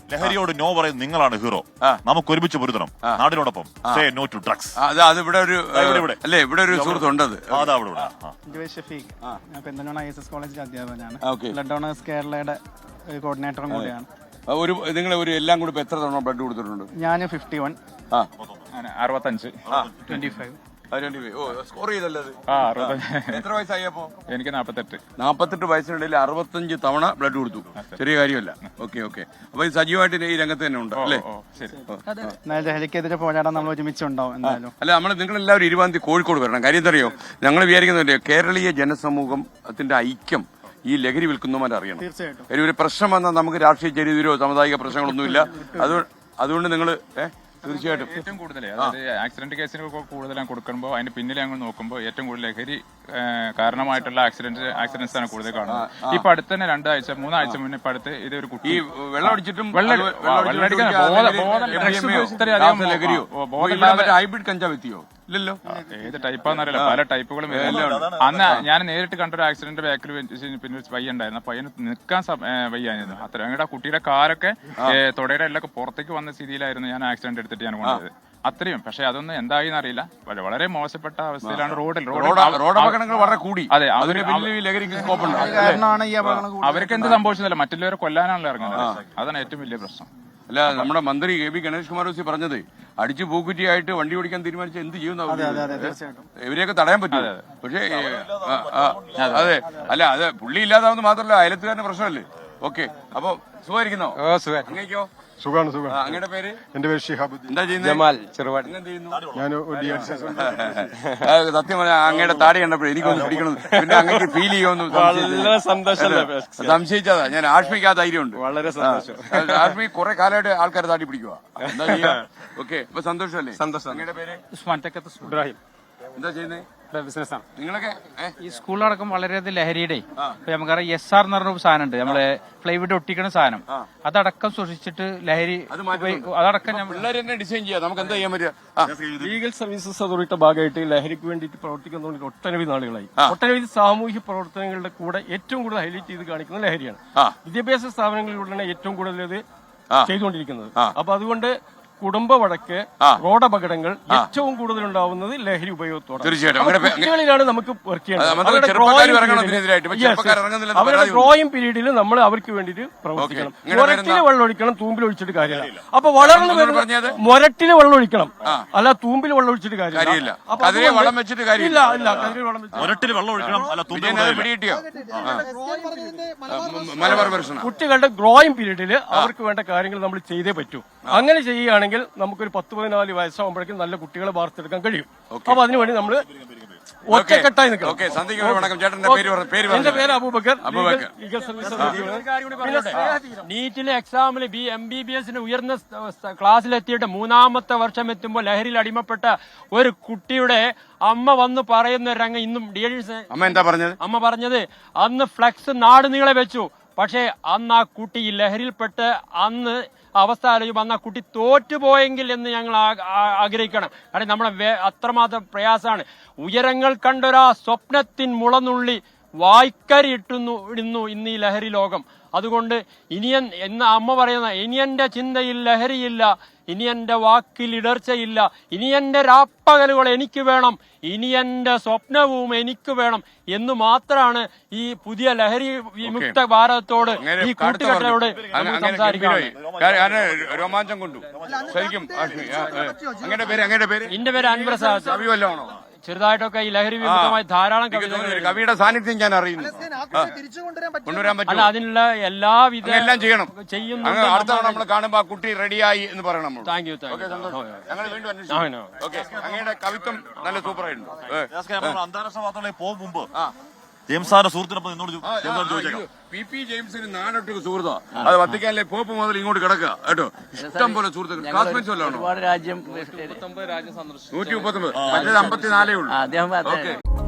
ലഹരിയോട് no പറയുന്നത് നിങ്ങളാണ് hero. നമുക്ക് ഒരുമിച്ച് പൊരുത്തണം നാടിനോടൊപ്പം. Say no to drugs. അത് ഇവിടെ ഒരു അല്ലേ, ഇവിടെ ഒരു സുഹൃത്തുണ്ട്. ഷഫീഖ്, ഞാൻ പെന്തൽമണ്ണ ISS കോളേജിലെ അധ്യാപകനാണ്. ബ്ലഡ് ഡോണേഴ്സ് കേരളയുടെ കോർഡിനേറ്ററും കൂടിയാണ്. നിങ്ങൾ ഒരു എല്ലാം കൂടി എത്ര തവണ ബ്ലഡ് കൊടുത്തിട്ടുണ്ട്? ഞാൻ 51, 65, 25. സ്കോർ ചെയ്തല്ലോ. എത്ര വയസ്സായപ്പോ? എനിക്ക് 48 വയസ്സിനിടയിൽ 65 തവണ ബ്ലഡ് കൊടുത്തു. ചെറിയ കാര്യമല്ല. ഓക്കെ. അപ്പൊ ഈ സജീവമായിട്ട് ഈ രംഗത്ത് തന്നെ ഉണ്ട് അല്ലേ? ലഹരിക്കെതിരെ പോരാടാൻ നമ്മൾ ഒരുമിച്ചുണ്ടാവും എന്തായാലും. അല്ല, നിങ്ങൾ എല്ലാവരും 20-ാം തീയതി കോഴിക്കോട് വരണം. കാര്യം എന്തറിയോ, ഞങ്ങൾ വിചാരിക്കുന്നില്ലേ, കേരളീയ ജനസമൂഹത്തിന്റെ ഐക്യം ഈ ലഹരി വിൽക്കുന്നവരെ അറിയണം. തീർച്ചയായിട്ടും ഒരു പ്രശ്നം വന്നാൽ നമുക്ക് രാഷ്ട്രീയ ചെരിതിരോ സാമുദായിക പ്രശ്നങ്ങളൊന്നുമില്ല. അതുകൊണ്ട് നിങ്ങൾ തീർച്ചയായിട്ടും ഏറ്റവും കൂടുതൽ അതായത് ആക്സിഡന്റ് കേസിന് കൂടുതൽ കൊടുക്കുമ്പോൾ അതിന്റെ പിന്നിൽ ഞങ്ങൾ നോക്കുമ്പോൾ ഏറ്റവും കൂടുതൽ ലഹരി കാരണമായിട്ടുള്ള ആക്സിഡൻസ് ആണ് കൂടുതൽ കാണുന്നത്. ഇപ്പൊ അടുത്ത് തന്നെ 2 ആഴ്ച 3 ആഴ്ച മുന്നേ ഇപ്പൊ അടുത്ത് ഇതൊരു കുട്ടി വെള്ളമടിച്ചിട്ടും ഹൈബ്രിഡ് കഞ്ചാവ് എത്തിയോ? ഇല്ലല്ലോ. ഏത് ടൈപ്പാന്നറിയില്ല, പല ടൈപ്പുകളും അന്ന് ഞാൻ നേരിട്ട് കണ്ടൊരു ആക്സിഡന്റ് ബാക്കിൽ പിന്നെ പയ്യ ഉണ്ടായിരുന്നു. പയ്യന് നിൽക്കാൻ വയ്യായിരുന്നു. അത്ര ഞങ്ങളുടെ കുട്ടിയുടെ കാലൊക്കെ തൊടയുടെ എല്ലാം പുറത്തേക്ക് വന്ന സ്ഥിതിയിലായിരുന്നു ഞാൻ ആക്സിഡന്റ് എടുത്തിട്ട് ഞാൻ കൊണ്ടുപോയത്. അത്രയും. പക്ഷെ അതൊന്നും എന്തായി അറിയില്ല. വളരെ മോശപ്പെട്ട അവസ്ഥയിലാണ് റോഡപകടങ്ങൾ വളരെ കൂടി. അതെ, അവർക്ക് എന്ത് സംഭവിച്ചതല്ല, മറ്റുള്ളവരെ കൊല്ലാനാണല്ലോ ഇറങ്ങുന്നത്. അതാണ് ഏറ്റവും വലിയ പ്രശ്നം. അല്ല, നമ്മുടെ മന്ത്രി കെ പി ഗണേഷ് കുമാർ പറഞ്ഞത് അടിച്ചു പൂക്കുറ്റിയായിട്ട് വണ്ടി ഓടിക്കാൻ തീരുമാനിച്ച എന്ത് ചെയ്യുന്ന ഇവരെയൊക്കെ തടയാൻ പറ്റും. പക്ഷേ അതെ, അല്ല, അത് പുള്ളി ഇല്ലാതാവുന്ന മാത്രമല്ല, അയലത്തുകാരന്റെ പ്രശ്നമല്ലേ. ഓക്കെ, അപ്പൊ സുഖമായിരിക്കുന്നോ? അങ്ങനെയൊക്കെയോ സുഖാണ്. അങ്ങയുടെ പേര്? എന്റെ പേര് ഷിഹാബുദ്ദീൻ. എന്താ ചെയ്യുന്നത്? ഞാൻ സത്യം പറഞ്ഞാൽ അങ്ങയുടെ താടി കണ്ടപ്പോഴേ എനിക്കൊന്ന് പിടിക്കണം, പിന്നെ അങ്ങേക്ക് ഫീൽ ചെയ്യുമെന്ന് സംശയിച്ചതാ ഞാൻ. ആഷ്മിക്ക് ആ ധൈര്യമുണ്ട്. വളരെ സന്തോഷം. ആഷ്മി കുറെ കാലമായിട്ട് ആൾക്കാരെ താടി പിടിക്കുക. എന്താ ചെയ്യാ? ഓക്കെ, അപ്പൊ സന്തോഷമല്ലേ? സന്തോഷം. അങ്ങയുടെ പേര്? ഇബ്രാഹിം. എന്താ ചെയ്യുന്നത്? ബിസിനസ്സാണ്. നിങ്ങളൊക്കെ ഈ സ്കൂളിലടക്കം വളരെയധികം ലഹരിയുടെ ഇപ്പൊ നമുക്കറിയാം SR എന്ന് പറഞ്ഞ സാധനം ഉണ്ട്, നമ്മള് ഫ്ലൈവുഡ് ഒട്ടിക്കുന്ന സാധനം. അതടക്കം സൂക്ഷിച്ചിട്ട് ലഹരി അതടക്കം പിള്ളേർ തന്നെ ഡിസൈൻ ചെയ്യാം. നമുക്ക് എന്താ ചെയ്യാൻ പറ്റുക? ലീഗൽ സർവീസസ് അതോറിറ്റിയുടെ ഭാഗമായിട്ട് ലഹരിക്ക് വേണ്ടിയിട്ട് പ്രവർത്തിക്കുന്നതുകൊണ്ട് ഒട്ടനവധി നാളുകളായി. ഒട്ടനവധി സാമൂഹ്യ പ്രവർത്തനങ്ങളുടെ കൂടെ ഏറ്റവും കൂടുതൽ ഹൈലൈറ്റ് ചെയ്ത് കാണിക്കുന്നത് ലഹരിയാണ്. വിദ്യാഭ്യാസ സ്ഥാപനങ്ങളിലൂടെയാണ് ഏറ്റവും കൂടുതൽ ഇത് ചെയ്തുകൊണ്ടിരിക്കുന്നത്. അപ്പൊ അതുകൊണ്ട് കുടുംബ വഴക്ക്, റോഡപകടങ്ങൾ ഏറ്റവും കൂടുതൽ ഉണ്ടാവുന്നത് ലഹരി ഉപയോഗത്തോടെ. കുട്ടികളിലാണ് നമുക്ക് വർക്ക് ചെയ്യേണ്ടത്. അവരുടെ ഡ്രോയിങ് പീരീഡിൽ നമ്മൾ അവർക്ക് വേണ്ടിയിട്ട് പ്രവർത്തിക്കണം. മുരട്ടില് വെള്ളം ഒഴിക്കണം, തൂമ്പിൽ ഒഴിച്ചിട്ട് കാര്യമില്ല. അപ്പൊ വളർന്നു വരുന്നത് മുരട്ടില് വെള്ളം ഒഴിക്കണം, അല്ല തൂമ്പിൽ വെള്ളം ഒഴിച്ചിട്ട് കാര്യമില്ല. കുട്ടികളുടെ ഗ്രോയിങ് പീരീഡിൽ അവർക്ക് വേണ്ട കാര്യങ്ങൾ നമ്മൾ ചെയ്തേ പറ്റൂ. അങ്ങനെ ചെയ്യുകയാണെങ്കിൽ നമുക്കൊരു 10-14 വയസ്സാകുമ്പോഴേക്കും നല്ല കുട്ടികളെ വാർത്തെടുക്കാൻ കഴിയും. അപ്പൊ അതിനുവേണ്ടി നമ്മൾ ഒറ്റക്കെട്ടായി നിൽക്കണം. എന്റെ പേര് അബൂബക്കർ. നീറ്റിലെ എക്സാമിൽ MBBS ഉയർന്ന ക്ലാസ്സിലെത്തിയിട്ട് 3-ാമത്തെ വർഷം എത്തുമ്പോൾ ലഹരിയിൽ അടിമപ്പെട്ട ഒരു കുട്ടിയുടെ അമ്മ വന്ന് പറയുന്ന ഒരു രംഗം ഇന്നും അമ്മ പറഞ്ഞത്, അന്ന് ഫ്ലെക്സ് നാട് നീളെ വെച്ചു, പക്ഷേ അന്ന് ആ കുട്ടി ലഹരിയിൽപ്പെട്ട് അന്ന് അവസ്ഥ ആലോചിക്കുമ്പോൾ അന്ന് ആ കുട്ടി തോറ്റുപോയെങ്കിൽ എന്ന് ഞങ്ങൾ ആഗ്രഹിക്കണം. കാരണം നമ്മളെ അത്രമാത്രം പ്രയാസമാണ്. ഉയരങ്ങൾ കണ്ടൊരാ സ്വപ്നത്തിൻ മുളനുള്ളി വായ്ക്കരി ഇടുന്നു ഇന്ന് ഈ ലഹരി ലോകം. അതുകൊണ്ട് ഇനിയൻ എന്ന് അമ്മ പറയുന്ന, ഇനി എന്റെ ചിന്തയിൽ ലഹരിയില്ല, ഇനി എന്റെ വാക്കിൽ ഇടർച്ചയില്ല, ഇനി എന്റെ രാപ്പകലുകൾ എനിക്ക് വേണം, ഇനി എന്റെ സ്വപ്നവും എനിക്ക് വേണം എന്ന് മാത്രമാണ് ഈ പുതിയ ലഹരി വിമുക്ത ഭാരതത്തോട്, ഈ കൂട്ടുകെട്ടോട് സംസാരിക്കുന്നത്. രോമാഞ്ചം കൊണ്ടു ശരിക്കും. എന്റെ പേര് അൻവർ സാദ്. ചെറുതായിട്ടൊക്കെ ഈ ലഹരി വിമുക്തമായി ധാരാളം കവിയുടെ സാന്നിധ്യം ഞാൻ അറിയുന്നു. കൊണ്ടുവരാൻ പറ്റും. അല്ല, അതിനുള്ള എല്ലാവിധ എല്ലാം ചെയ്യണം. ചെയ്യുന്നു. അടുത്ത തവണ നമ്മൾ കാണുമ്പോ ആ കുട്ടി റെഡിയായി എന്ന് പറയണം. Thank you. ഞങ്ങൾ വീണ്ടും അന്വേഷിക്കും. അങ്ങയുടെ കവിത്വം നല്ല സൂപ്പറായിട്ടുണ്ട്. അന്താരാഷ്ട്ര വാർത്തകളിലേക്ക് പോകും മുമ്പ് ജെയിംസാന്റെ സുഹൃത്തിനൊപ്പം നിന്നോട് ചോദിച്ചേക്കാം. PP ജെയിംസിന് 4 സുഹൃത്താ. അത് വത്തിക്കാനിലെ പോപ്പ് മുതൽ ഇങ്ങോട്ട് കിടക്കുക കേട്ടോ. ഇഷ്ടം പോലെ സുഹൃത്തുക്കൾ. ക്ലാസ്മേറ്റ്സ് വല്ലതാണോ? 139 രാജ്യം സന്ദർശിച്ചു. 139. മറ്റേത് 54 ഉള്ളൂ. അദ്ദേഹം